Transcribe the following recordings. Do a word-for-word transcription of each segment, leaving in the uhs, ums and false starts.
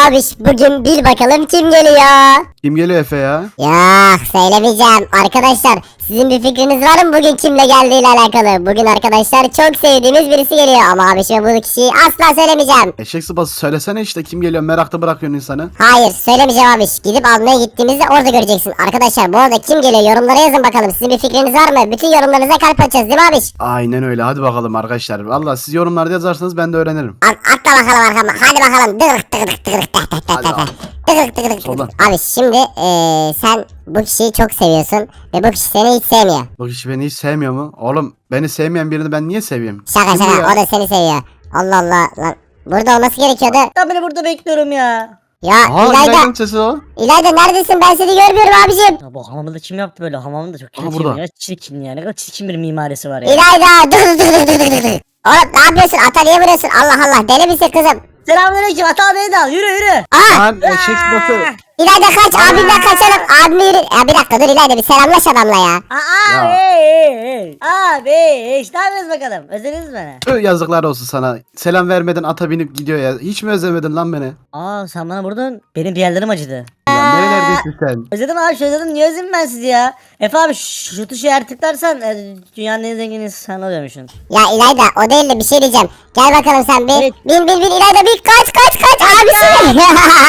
abiş bugün bil bakalım kim geliyor? Kim geliyor Efe ya? Ya söylemeyeceğim arkadaşlar, sizin bir fikriniz var mı bugün kimle geldiğiyle alakalı? Bugün arkadaşlar çok sevdiğimiz birisi geliyor ama abişime bu kişiyi asla söylemeyeceğim. Eşek sıpası söylesene işte kim geliyor, merakta bırakıyorsun insanı. Hayır söylemeyeceğim abiş, gidip almaya gittiğimizde orada göreceksin. Arkadaşlar bu arada kim geliyor yorumlara yazın bakalım, sizin bir fikriniz var mı? Bütün yorumlarınıza kalp atacağız değil mi abiş? Aynen öyle, hadi bakalım arkadaşlar. Valla siz yorumlarda yazarsanız ben de öğrenirim. At, atla bakalım arkama, hadi bakalım. Dıgırık dıgırık dıgırık dıgırık dıgırık Hadi dıgırık. abi. Dıgırık dıgırık Soldan. dıgırık. Abi şimdi eee, sen bu kişiyi çok seviyorsun ve bu kişi seni hiç sevmiyor. Bu kişi beni hiç sevmiyor mu? Oğlum beni sevmeyen birini ben niye seveyim? Şaka Kim bu şaka, ya? o da seni seviyor. Allah Allah lan. Burada olması gerekiyordu. Ben beni burada bekliyorum ya. Ya Aa, İlayda, İlayda'nın sesi o. İlayda neredesin? Ben seni görmüyorum abicim. Ya bu hamamı da kim yaptı böyle? Hamamı da çok Aha, çirkin burada. ya. Çirkin ya. Ne kadar çirkin bir mimarisi var ya. İlayda dur dur dur dur dur dur. Oğlum ne yapıyorsun? Ata niye vuruyorsun? Allah Allah, deli misin kızım? Selamünaleyküm. Ata beni de al. Yürü yürü. Aa! Lan eşek sıpası. İlayda kaç, abimden kaçalım. Abimi yürü. Ya bir dakika dur İlayda, bir selamlaş adamla ya. Aa, Ya. hey hey hey. Abi işte ne yapıyorsunuz bakalım? Özlediniz mi beni? Tüh, yazıklar olsun sana. Selam vermeden ata binip gidiyor ya. Hiç mi özlemedin lan beni? Aa sen bana vurdun. Benim bir yerlerim acıdı. Lan nerelerdesin sen? Özledim abi özledim. Niye özledim ben sizi ya? Efe abi şu, şu tuşu eğer tıklarsan e, dünyanın en zengin insanı oluyormuşsun. Ya İlayda o değil de bir şey diyeceğim. Gel bakalım sen bir. Evet. Bin bin bin İlayda bir kaç kaç kaç abisi.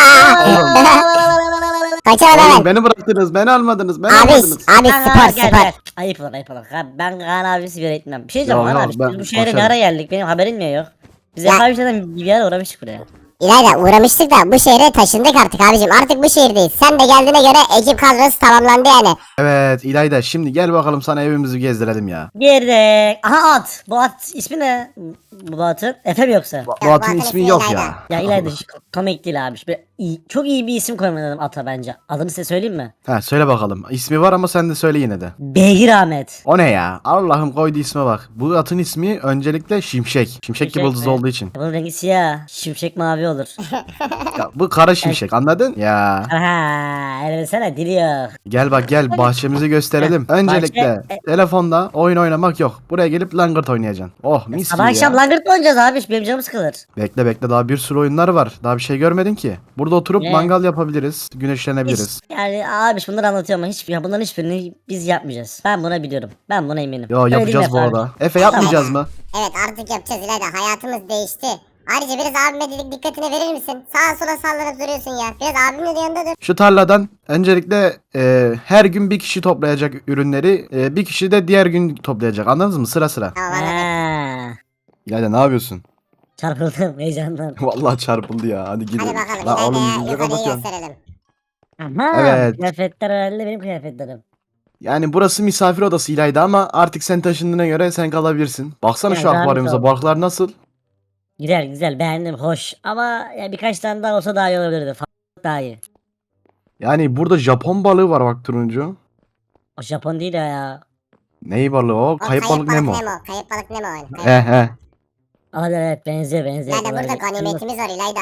Kaçalım Oğlum hemen. beni bıraktınız, beni almadınız, beni Abi almadınız. abi Aa, spor gel, spor. gel. Ayıp olur ayıp olur. Ha, Ben Kaan abi sigara etmem. Bir şey diyeceğim Yok, Kaan yok, abi. ben Biz bu şehre ne başarım. ara geldik? Benim haberim mi yok? Biz Ya. Efe abi zaten bir yer uğramıştık buraya. İlayda uğramıştık da bu şehre taşındık artık abicim. Artık bu şehirdeyiz. Sen de geldiğine göre ekip kadrosu tamamlandı yani. Evet İlayda, şimdi gel bakalım sana evimizi gezdirelim ya. Girdik. Aha at. Bu at ismi ne? Bu atın Efe mi yoksa? Bu bu atın atın ismi ismi yok İlayda. ya. Ya İlayda hiç komik değil abi. Böyle iyi, çok iyi bir isim koymalıyım ata bence. Adını size söyleyeyim mi? Ha, söyle bakalım. İsmi var ama sen de söyle yine de. Beygir Ahmet. O ne ya? Allah'ım, koydu isme bak. Bu atın ismi öncelikle Şimşek. Şimşek gibi yıldız mi? olduğu için. Bunun rengi siyah. Şimşek mavi olur. Ya, bu kara şimşek, anladın? Ya. Aha, elbisene dili yok. Gel bak gel, bahçemizi gösterelim. Öncelikle Bahçe- telefonda oyun oynamak yok. Buraya gelip langırt oynayacaksın. Oh mis Sabah gibi akşam ya. langırt mı oynayacağız abi? Benim canım sıkılır. Bekle bekle, daha bir sürü oyunlar var. Daha bir şey görmedin ki. Burada oturup Ne? mangal yapabiliriz. Güneşlenebiliriz. Hiç- yani abi bunları anlatıyorum ama hiç, ya bunların hiçbirini biz yapmayacağız. Ben buna biliyorum. Ben buna eminim. Yo, Öyle değil mi yapacağız bu Efe abi? arada. Efe, yapmayacağız mı? Evet artık yapacağız İlayda, hayatımız değişti. Ayrıca biraz abime dedik, dikkatini verir misin? Sağa sola sallanıp duruyorsun ya. Biraz abimin de yanında dur. Şu tarladan öncelikle e, her gün bir kişi toplayacak ürünleri, e, bir kişi de diğer gün toplayacak. Anladınız mı? Sıra sıra. Tamam anladım. Ha, İlayda ne yapıyorsun? çarpıldım heyecandan. Vallahi çarpıldı ya. Hadi gidelim. Hadi bakalım La oğlum, İlayda'ya yüzüne yukarıyı kapatıyorsun. gösterelim. Aha, Evet. kıyafetler herhalde benim kıyafetlerim. Yani burası misafir odası İlayda ama artık sen taşındığına göre sen kalabilirsin. Baksana Ya, şu akvaryumuza, zahmet balıklar nasıl? Güzel güzel beğendim hoş ama ya birkaç tane daha olsa daha iyi olabilirdi. F- daha iyi. Yani burada Japon balığı var bak, turuncu. O Japon değil ya. Ney balığı o? O Kayıp balık Nemo. Kayıp balık Nemo. Kayıp- He he. Olabilir evet benziyor benziyor. İlayda burada Olabilir. ganimetimiz var İlayda.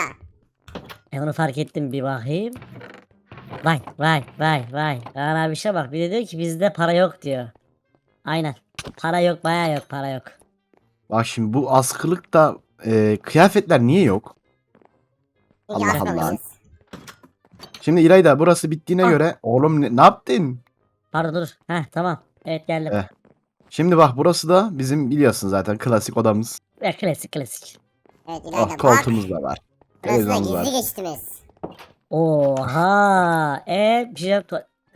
E onu fark ettim bir bakayım. Vay vay vay vay. Kaan abi işe bak bir de diyor ki bizde para yok diyor. Aynen. Para yok baya yok para yok. Bak şimdi bu askılıkta e, kıyafetler niye yok? Çünkü Allah asmamışız. Allah. Şimdi İlayda burası bittiğine Ah. göre oğlum ne, ne yaptın? Pardon dur. Heh tamam. Evet geldim. Eh. Şimdi bak burası da bizim biliyorsun zaten klasik odamız. Ya, klasik klasik. Evet Oh, İlayda bak. koltuğumuz da var. Burası da Televizyonumuz gizli var. geçitimiz. Oha. E bir şey yok.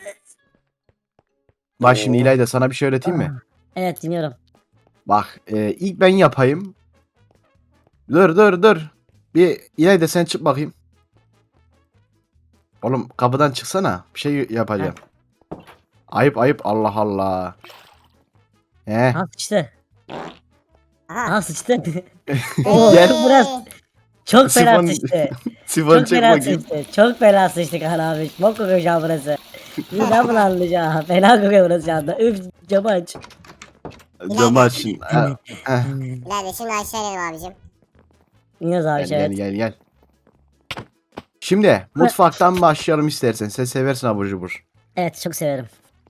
Bak şimdi İlayda sana bir şey öğreteyim mi? Evet dinliyorum. Bak e, ilk ben yapayım. Dur dur dur. Bir İlayda sen çık bakayım. Oğlum kapıdan çıksana. Bir şey yapacağım. Ayıp ayıp, Allah Allah. He. Ha sıçtı. Aha. Ha sıçtı. Gel. Biraz çok fena Sifon, sıçtı. sifon Çok çek fena bakayım. sıçtı. Çok fena sıçtı Kaan abi. Bok kokuyor şu an burası. İyi ben bunu anlayacağım. Fena kokuyor burası şu anda. Üf camı aç. Camı açın. Ha, heh. İlayda şimdi aşağı inelim abicim. İniyoruz abi Gel şey. gel gel gel. Şimdi mutfaktan başlayalım istersen. Sen seversin abur cubur. Evet çok severim.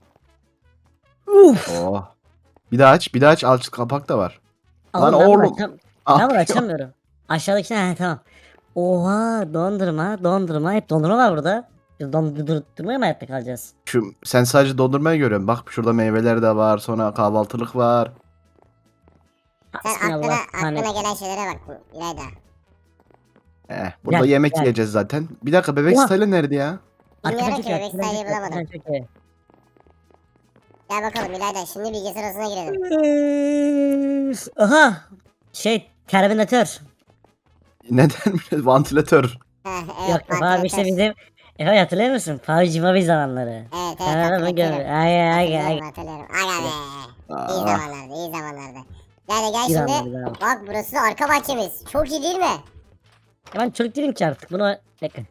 Uf. Oh. Bir daha aç, bir daha aç. Alçı kapak da var. Lan Oğlum, ben bunu oğlum. açam- Ah, Ben bunu açamıyorum. Aşağıdaki ne? He, tamam. Oha dondurma dondurma hep dondurma var burada. Biz dondurmaya mı hayatta kalacağız? Şu sen sadece dondurmayı görüyorsun. Bak şurada meyveler de var. Sonra kahvaltılık var. Sen aklına, Hasbinallah, aklına hani- gelen şeylere bak İlayda. Eh, burada Gel, yemek gel. yiyeceğiz zaten. Bir dakika bebek Oha. style nerede ya? Arkadan Bilmiyorum çok ki iyi, bebek arkadan sayıyı çok iyi, bulamadım. arkadan çok iyi. Gel bakalım İlayda şimdi bilgi sırasına girelim. Üf, aha şey terminatör. Neden? Vantilatör. Heh, Yok evet yok abi işte vantilatör. bizim Efe hatırlıyor musun? Favcı Mavi zamanları. Evet evet Ha, bu hatırlıyorum. gö- ay ay ay. Hatırlıyorum hatırlıyorum. Aga be. İyi Aa, zamanlardı iyi zamanlardı. Gel gel İyi şimdi. zamanlardı abi. Bak burası arka bahçemiz. Çok iyi değil mi? Ya ben çocuk değilim ki artık bunu bekle.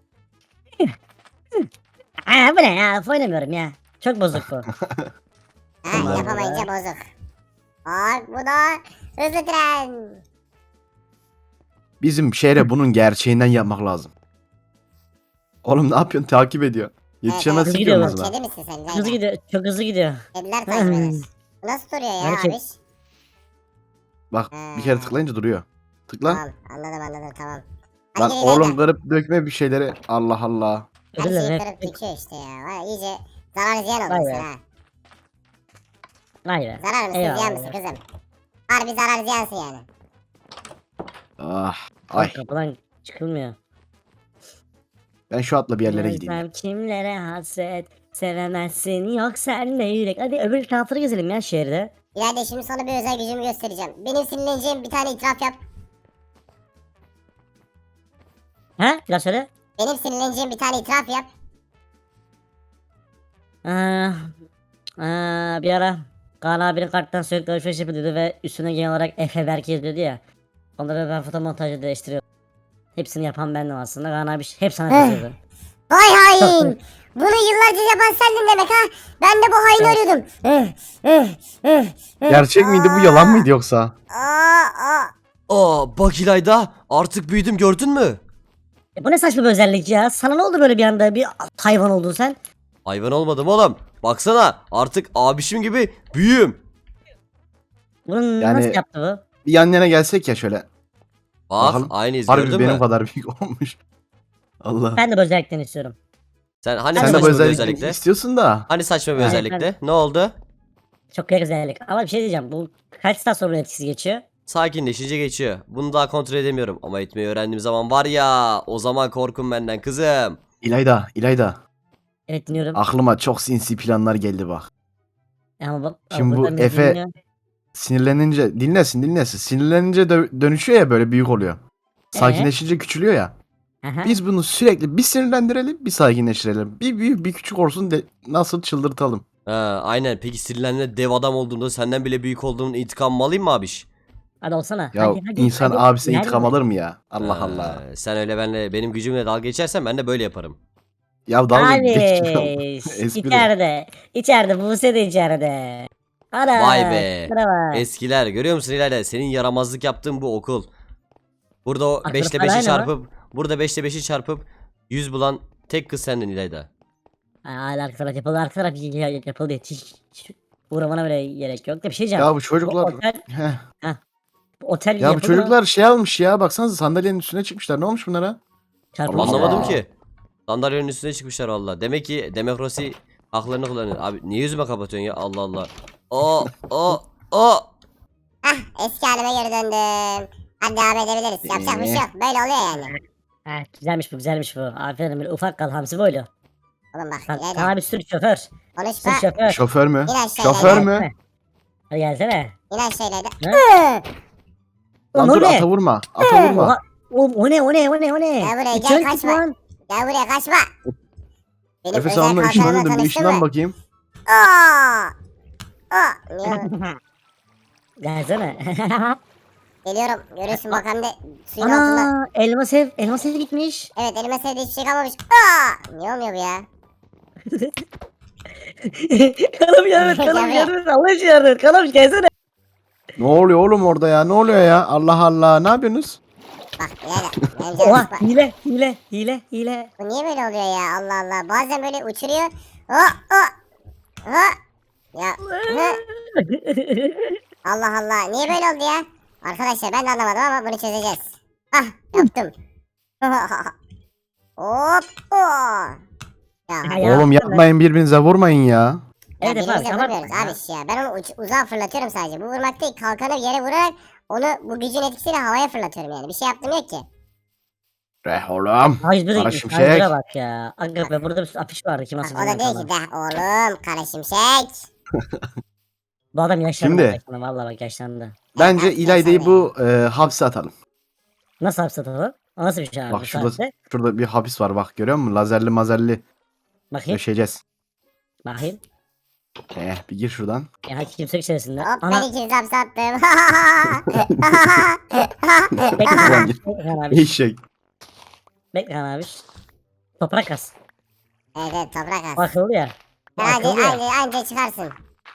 Aa, bu ne ya? Oynamıyorum ya. Çok bozuk bu. Ha Tamam. yapamayınca bozuk. Bak bu da hızlı tren. bizim şehre bunun gerçeğinden yapmak lazım. Oğlum ne yapıyorsun? Takip ediyor. Yetişemezsin ki gidiyor onun bak. hızına. Kedi misin sen Hızlı İlayda? gidiyor. Çok hızlı gidiyor. Kediler takip eder. Bu nasıl duruyor ya Gerçek. abiş? Bak bir kere tıklayınca duruyor. Tıkla. Tamam anladım anladım tamam. Hadi Lan gel İlayda. oğlum kırıp dökme bir şeyleri. Allah Allah. Her Özür şeyi dilerim. kırıp Hep... döküyor işte ya. Vay, iyice zarar ziyan Vay oldun be. sen ha. Vay be. Zarar mısın Eyvallah ziyan ya. mısın kızım? Harbi zarar ziyansın yani. Ah. Ay. Ay. Kapıdan çıkılmıyor. Ben şu atla bir yerlere gideyim. Özlem kimlere hasret sevemezsin yok senle yürek. Hadi öbür tarafları gezelim ya şehirde. İlayda şimdi sana bir özel gücümü göstereceğim. Benim sinirleneceğim bir tane itiraf yap. Ha? Biraz söyle. Benim sinirleneceğim bir tane itiraf yap. Aa, aa, bir ara Kaan abinin karttan sürekli alışveriş yapıyordu ve üstüne genel olarak Efe Berk yazıyordu ya. Onları ben foto montajı değiştiriyorum. Hepsini yapan bendim aslında. Kaan abi hep sana kızıyordu. Vay hain. Bunu yıllarca yapan sendin demek ha. Ben de bu haini arıyordum. Eh, eh, eh, eh. Gerçek miydi bu yalan mıydı yoksa? Aa, aa. Aa bak İlayda artık büyüdüm gördün mü? E, bu ne saçma bir özellik ya. Sana ne oldu böyle bir anda bir hayvan oldun sen? Hayvan olmadım oğlum. Baksana artık abişim gibi büyüğüm. Bunu Yani- nasıl yaptı bu? Bir yan yana gelsek ya şöyle. Bak Bakalım. aynıyız Harbi gördün benim mü? kadar büyük olmuş. Allah. Ben de bu özellikten istiyorum. Sen hani Sen Sen de saçma bu bir özellikle özellikle? istiyorsun da. Hani saçma bir Evet, özellikle? Ne oldu? Çok güzel özellik. Ama bir şey diyeceğim. Bu kaç saat sonra etkisi geçiyor? Sakinleşince geçiyor. Bunu daha kontrol edemiyorum. Ama etmeyi öğrendiğim zaman var ya o zaman korkun benden kızım. İlayda, İlayda. Evet dinliyorum. Aklıma çok sinsi planlar geldi bak. Ama bak. Şimdi bu buradan bizi Efe- dinliyor. Sinirlenince dinlesin dinlesin. Sinirlenince dö- dönüşüyor ya böyle büyük oluyor. Sakinleşince küçülüyor ya. Aha. Biz bunu sürekli bir sinirlendirelim, bir sakinleştirelim. Bir büyük bir küçük olsun de nasıl çıldırtalım. Ha, aynen peki sinirlendiğinde dev adam olduğunda senden bile büyük olduğunun intikamımı alayım mı abiş? Hadi olsana. Ya hadi, hadi, insan hadi. abisine Nerede? intikam alır mı ya? Allah Ha, Allah. Sen öyle benle benim gücümle dalga geçersen ben de böyle yaparım. Ya dalga Abi geçiyorum. Espri. içeride. İçeride Buse de içeride. Ana. Vay be. Merhaba. Eskiler görüyor musun İlayda? Senin yaramazlık yaptığın bu okul. Burada o Aklına beş ile falan beşi aynı çarpıp burada beş ile beşi çarpıp yüz bulan tek kız sendin İlayda. Hala arka taraf yapıldı. Arka taraf y- y- yapıldı. Hiç, hiç uğramana bile gerek yok da bir şey diyeceğim. Ya bu çocuklar. Bu otel, Heh. bu otel Ya bu yapıldı mı? çocuklar şey almış ya. Baksanıza sandalyenin üstüne çıkmışlar. Ne olmuş bunlara? Çarpılmış Allah Anlamadım ya. ki. Sandalyenin üstüne çıkmışlar valla. Demek ki demokrasi haklarını kullanıyor. Abi niye yüzüme kapatıyorsun ya Allah Allah. O o o. Hah eski halime geri döndüm. Hadi devam edebiliriz. Yapacak bir şey yok. Böyle oluyor yani. Ha, güzelmiş bu güzelmiş bu. Aferin böyle ufak kal hamsi boylu. Oğlum bak Kan, İlayda. kan abi sür şoför. Konuşma. Sür şoför. Şoför mü? İn aşağı Şoför İlayda. mü? Hadi gelsene. İn aşağı İlayda. Ne? Hı! Lan Oğlum, dur o ne? ata vurma. Ata vurma. Oha, oğlum, o ne o ne o ne o ne? Gel buraya, Bir gel, çön kaçma. lan. Gel buraya kaçma. Benim Efe sen özel onunla kalkanımla ışınlanıyordun. Bir tanıştın ışından mı? bakayım. Aa! Aa! Niye? Gelsene. Geliyorum. Görüyorsun bak hem de suyun altında. Ana elma sev elma sev gitmiş. Evet elime sevdiği hiçbir şey kalmamış. Aa! Niye olmuyor bu ya? Kanım yardım et kanım Gel yardım et Allah için yardım et kanım gelsene. Ne oluyor oğlum orada ya? Ne oluyor ya? Allah Allah. Ne yapıyorsunuz? Bak İlayda. Benim canım Oha sıkma. hile hile hile hile. Bu niye böyle oluyor ya? Allah Allah. Bazen böyle uçuruyor. Oh! Oh! Oh! Ya. Hı? Allah Allah. Niye böyle oldu ya? Arkadaşlar ben de anlamadım ama bunu çözeceğiz. Ah yaptım. Hop. Oh. Ya, Ya, Oğlum ya, yapmayın, birbirinize vurmayın ya. ya Evet efendim, birbirimize tamam. vurmuyoruz abi ya. Ben onu uç, uzağa fırlatıyorum sadece. Bu vurmak değil, kalkanı bir yere vurarak onu bu gücün etkisiyle havaya fırlatıyorum yani. Bir şey yaptım yok ki. Reh oğlum. Hacı bir Kara de şimşek. Hacı'ya bak ya. Aga be burada bir afiş vardı kim Bak, asıldı o da diyor ki de oğlum kara şimşek. Bu adam yaşlandı. Şimdi- Şimdi. Valla bak yaşlandı. Bence Evet, İlayda'yı yaşandı bu e, hapse atalım. Nasıl hapse atalım? O nasıl bir şey abi Bak bu şurada, saatte? şurada bir hapis var bak, görüyor musun? Lazerli mazerli Bakayım. döşeceğiz. Bakayım. Eh bir gir şuradan. Ya kimse içerisinde. Hop ben Ana ikinizi hapse attım. bekle Ulan Kaan gir. Bekle Kaan abi. Eşek. Bekle Kaan abi. Toprak kas. Evet evet toprak az. Akıllı ya. Bu Hadi akıllı ya. anca, anca çıkarsın.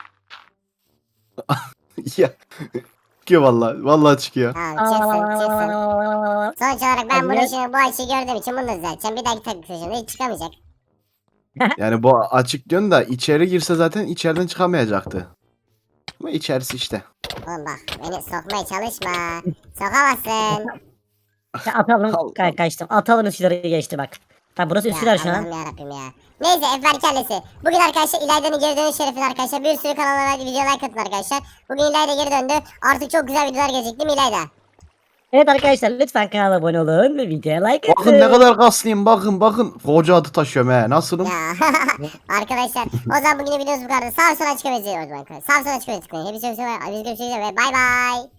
Ya. Çıkıyor vallahi. Vallahi çıkıyor. Tamam çıksın çıksın. Sonuç olarak ben bunu Hadi. şimdi bu açıyı gördüğüm için bunu da düzelteceğim. Bir dahaki takım sözünde hiç çıkamayacak. Yani bu açık diyorsun da içeri girse zaten içeriden çıkamayacaktı. Ama içerisi işte. Oğlum bak beni sokmaya çalışma. Sokamazsın. Ya atalım. Allah. Ka kaçtım. Atalım Üsküdar'ı geçti bak. Bak burası Ya Üsküdar şu an. Allah'ım yarabbim ya. Neyse Efber Kellesi. Bugün arkadaşlar İlayda'nın geri dönüş şerefine arkadaşlar bir sürü kanallara videolar katın arkadaşlar. Bugün İlayda geri döndü. Artık çok güzel videolar gelecek değil mi İlayda? Evet arkadaşlar lütfen kanala abone olun ve videoya like atın. Bakın ne kadar kaslıyım, bakın bakın. Koca adı taşıyorum he. Nasılım? Ya arkadaşlar o zaman bugün videomuz bu kadar. Sağ sola çıkamayacağız o zaman. Sağ sola çıkamayacağız. Hepsi hepsi. Biz görüşürüz ve bay bay.